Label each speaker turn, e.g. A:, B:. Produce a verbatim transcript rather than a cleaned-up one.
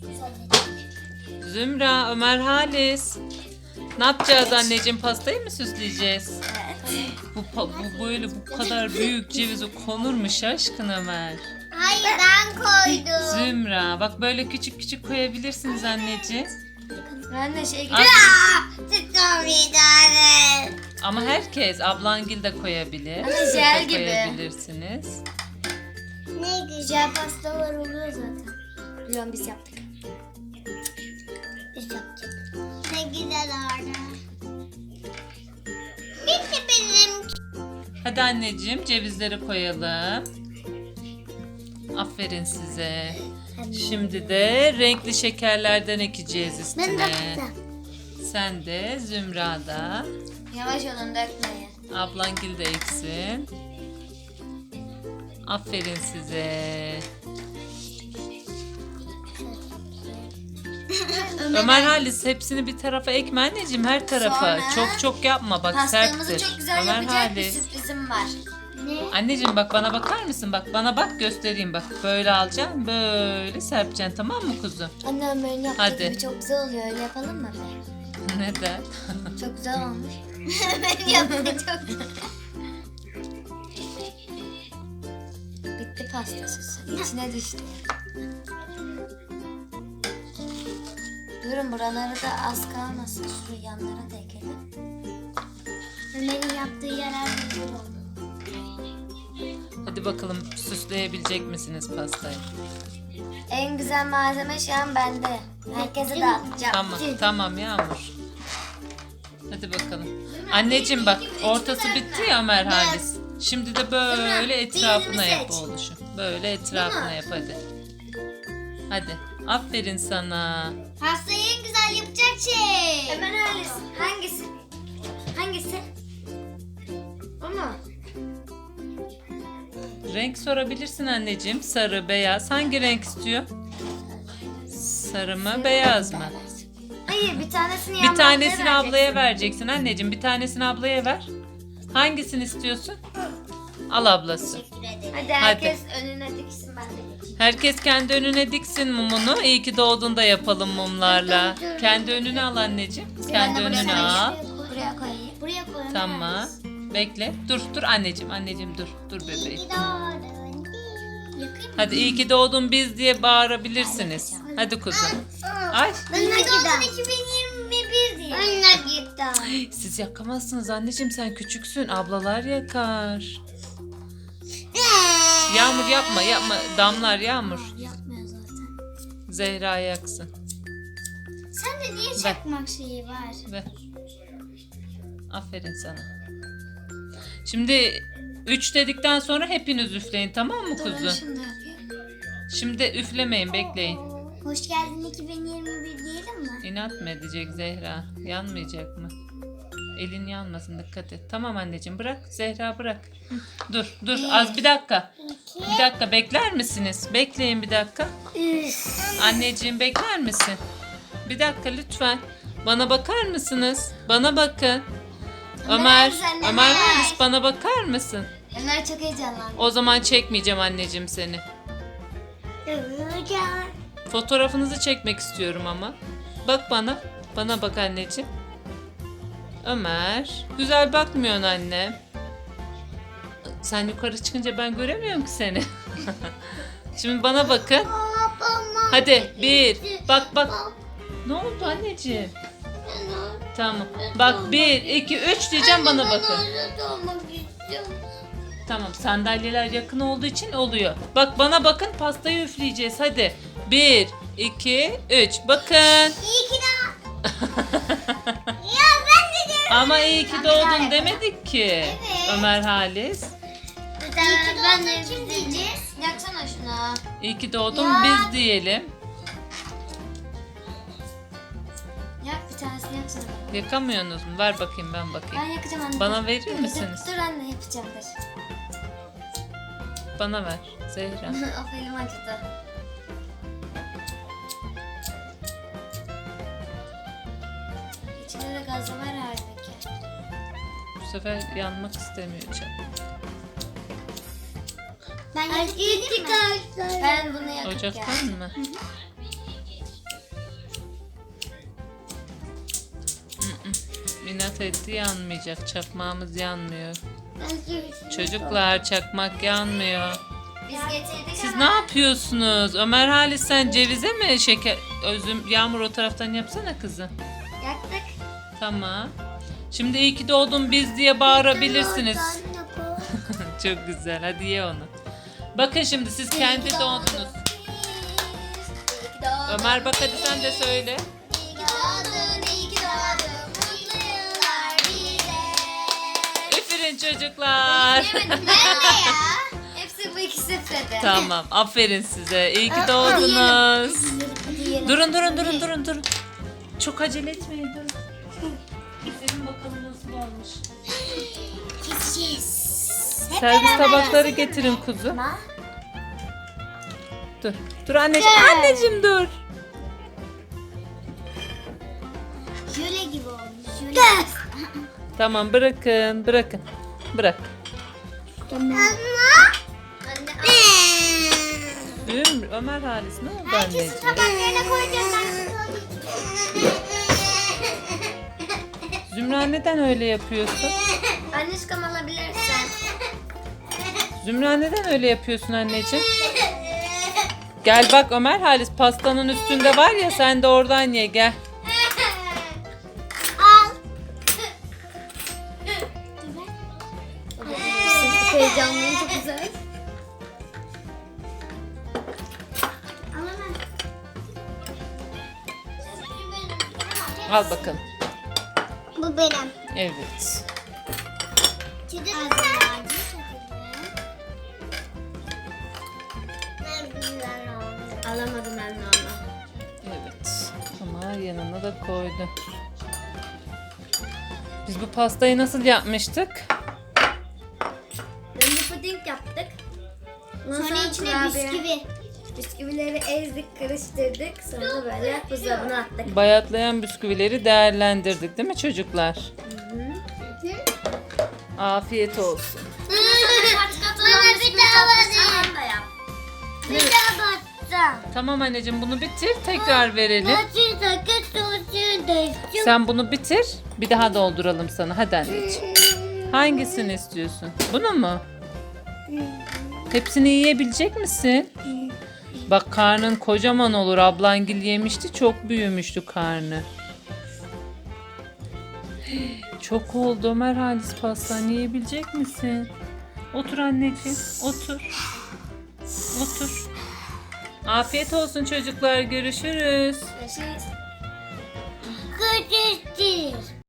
A: Zümra, Ömer, Halis. Ne yapacağız anneciğim? Pastayı mı süsleyeceğiz?
B: Evet.
A: Bu, pa- bu böyle bu kadar büyük cevizi konur mu şaşkın Ömer?
B: Hayır ben koydum.
A: Zümra, bak böyle küçük küçük koyabilirsiniz anneciğim.
C: Ben de şey
A: Az-
B: Tuttum bir tane.
A: Ama herkes, ablangil de koyabilir.
C: Hani
A: Siz de
C: jel gibi.
A: koyabilirsiniz.
B: Ne güzel.
C: Jel pastalar oluyor zaten. Biliyorum biz yaptık.
B: Biz yapacağız. Ne güzel orada. Bitti benim.
A: Hadi anneciğim cevizleri koyalım. Aferin size. Şimdi de renkli şekerlerden ekeceğiz
B: Ben
A: üstüne.
B: de yapacağım.
A: Sen de Zümra'da.
C: Yavaş olun dökmeyin.
A: Ablangil de eksin. Aferin size. Ömer Halis hepsini bir tarafa ekme anneciğim, her tarafa.
C: Sonra
A: Çok çok yapma bak,
C: Pastamızı
A: serttir.
C: çok güzel
A: Ömer
C: yapacak bir
A: Halis.
C: sürprizim var.
B: Ne?
A: Anneciğim bak bana bakar mısın? Bak bana bak, göstereyim bak. Böyle alacaksın, böyle serpeceksin, tamam mı kuzum?
C: Anne Ömer'in yaptığı
A: Hadi.
C: gibi çok güzel oluyor. Öyle yapalım mı?
A: Neden?
C: Çok güzel olmuş.
B: Ben yaptım çok.
C: Bitti pasta sosu. İçine düştü. Durun buraları da az kalmasın. Şu yanlara da ekelim.
B: Ömer'in yaptığı yarar güzel oldu.
A: Hadi bakalım, süsleyebilecek misiniz pastayı?
C: En güzel malzeme şu an bende. Herkese dağıtacağım.
A: Tamam, tamam Yağmur. Hadi bakalım. Anneciğim bak, ortası bitti ya Ömer Halis. Şimdi de böyle etrafına
B: diğerini
A: yap
B: seç.
A: oğluşum. Böyle etrafına yap hadi. Hadi. Aferin sana.
B: Pastayı en güzel yapacak şey.
C: Ömer Halis hangisi? Hangisi? O mu?
A: Renk sorabilirsin anneciğim. Sarı, beyaz. Hangi renk istiyor? Sarı mı, beyaz mı?
C: Hayır bir tanesini
A: Bir
C: yanlarına
A: tanesini
C: vereceksin.
A: ablaya vereceksin anneciğim. Bir tanesini ablaya ver. Hangisini istiyorsun? Al ablası.
B: Teşekkür ederim.
C: Hadi herkes önüne diksin ben de geçeyim.
A: Herkes kendi önüne diksin mumunu. İyi ki doğduğunda yapalım mumlarla. Kendi önüne al anneciğim. Kendi
C: Ben de
A: önüne
C: buraya
A: al.
C: koyayım. Buraya koyayım.
B: Buraya koy. Ömer.
A: Tamam. Bekle. Dur dur anneciğim. Anneciğim dur. Dur bebeğim.
B: İyi doğdun. Yakayım mı?
A: Hadi iyi ki doğdun biz diye bağırabilirsiniz. Hadi kuzum. Ay.
B: İyi ki doğdun iki bin yirmi bir diye. Önüne gittim.
A: Siz yakamazsınız anneciğim, sen küçüksün. Ablalar yakar. Yağmur yapma yapma. Damlar Yağmur.
C: Yapmıyor zaten.
A: Zehra yaksın.
B: Sen de niye çakmak şeyi var?
A: Ver. Aferin sana. Şimdi üç dedikten sonra hepiniz üfleyin, tamam mı
C: Durun
A: kuzum?
C: şunu da yapayım.
A: Şimdi üflemeyin, bekleyin.
B: Hoş geldin iki bin yirmi bir diyelim mi?
A: İnat mı edecek Zehra? Yanmayacak mı? Elin yanmasın, dikkat et. Tamam anneciğim, bırak Zehra, bırak. Dur dur az bir dakika. Bir dakika bekler misiniz? Bekleyin bir dakika. Anneciğim bekler misin? Bir dakika lütfen. Bana bakar mısınız? Bana bakın. Ömer,
C: sen de
A: Ömer
C: ver.
A: Halis bana bakar mısın?
C: Ömer çok heyecanlandı.
A: O zaman çekmeyeceğim anneciğim seni. Fotoğrafınızı çekmek istiyorum ama. Bak bana. Bana bak anneciğim. Ömer. Güzel bakmıyorsun anne. Sen yukarı çıkınca ben göremiyorum ki seni. Şimdi bana bakın. Hadi bir. Bak bak. Ne oldu anneciğim? Tamam. Bak bir, iki, üç diyeceğim, bana bakın. Tamam, sandalyeler yakın olduğu için oluyor. Bak bana bakın, pastayı üfleyeceğiz hadi. Bir, iki, üç. Bakın.
B: İyi ki de. Ya ben de diyorum.
A: Ama iyi ki doğdun demedik ki.
B: Evet.
A: Ömer Halis.
B: İyi ki doğdun kim diyeceğiz?
C: Yaksana şunu.
A: İyi ki doğdun
B: Ya.
A: biz diyelim.
C: Yak bir tanesini yaksana.
A: Yakamıyorsunuz mu? Ver bakayım, ben
C: Ben
A: bakayım.
C: yakacağım anne.
A: Bana
C: Dur,
A: verir
C: dur,
A: misiniz?
C: Dur anne yapacağım dur.
A: Bana ver Zehra.
C: of elim acıdı. İçinde de gazı var halbuki.
A: Bu sefer yanmak istemiyor canım.
B: Ben yakıp geleyim mi?
C: Ben bunu yakıp
A: Ocaktan
C: geldim.
A: mı? inat etti, yanmayacak. Çakmağımız yanmıyor.
B: Ben
A: Çocuklar, çakmak yanmıyor.
C: Biz getirdik
A: Siz
C: ama.
A: ne yapıyorsunuz? Ömer Halis, sen cevize mi şeker? Özüm, Yağmur o taraftan yapsana kızım.
C: Yaktık.
A: Tamam. Şimdi iyi ki doğdun biz diye bağırabilirsiniz. Çok güzel. Hadi ye onu. Bakın şimdi siz kendi doğdunuz. Ömer bak hadi sen de söyle.
B: İyi ki doğdun, iyi ki doğdun. Mutlu yıllar bize.
A: Üfürün çocuklar.
C: Yemedim ben de ya. Hepsi bu ikisi dedi.
A: Tamam. Aferin size. İyi ki doğdunuz.
C: Hadi yiyelim.
A: Durun durun durun durun durun. Çok acele etmeyin durun. Üfürün bakalım nasıl olmuş.
B: Keseceğiz.
A: Servis tabakları getirin kuzu.
C: Ama
A: Dur. Dur anneciğim. Anneciğim dur.
B: Jöle gibi olmuş. Jöle.
A: Tamam bırakın. Bırakın. Bırak.
B: Anne.
C: anne
A: Üm, Ömer Halis ne oldu
B: Herkesin
A: anneciğim?
B: tabaklarına koyacağız.
A: Zümra neden öyle yapıyorsun?
C: Anneşkom alabilirsen.
A: Zümra neden öyle yapıyorsun anneciğim? Gel bak Ömer Halis pastanın üstünde var ya sen de oradan ye gel.
B: Al.
C: Çok heyecanlıyım, çok güzel.
B: Al hemen.
A: Al bakalım.
B: Bu benim.
A: Evet.
B: Çiğdem
C: Alamadım ben de onu.
A: Evet. Ama yanına da koydu. Biz bu pastayı nasıl yapmıştık?
C: Önce puding yaptık. Ondan
B: Sonra içine
C: kurabiye-
B: bisküvi.
C: Bisküvileri ezdik, karıştırdık. Sonra böyle buzdolabına attık.
A: Bayatlayan bisküvileri değerlendirdik değil mi çocuklar? Afiyet olsun.
B: Bana bir daha batacağım.
C: da yap.
B: Bir daha batacağım.
A: Tamam anneciğim bunu bitir tekrar verelim.
B: Nasıl sakız sosu döktüm.
A: Sen bunu bitir bir daha dolduralım sana hadi anneciğim. Hangisini istiyorsun? Bunu mu? Hepsini yiyebilecek misin? Bak karnın kocaman olur. Ablangil yemişti. Çok büyümüştü karnı. Çok oldu Ömer Halis pastan yiyebilecek misin? Otur anneciğim. Otur. Otur. Afiyet olsun çocuklar. Görüşürüz.
C: Görüşürüz.
B: Kırıştır.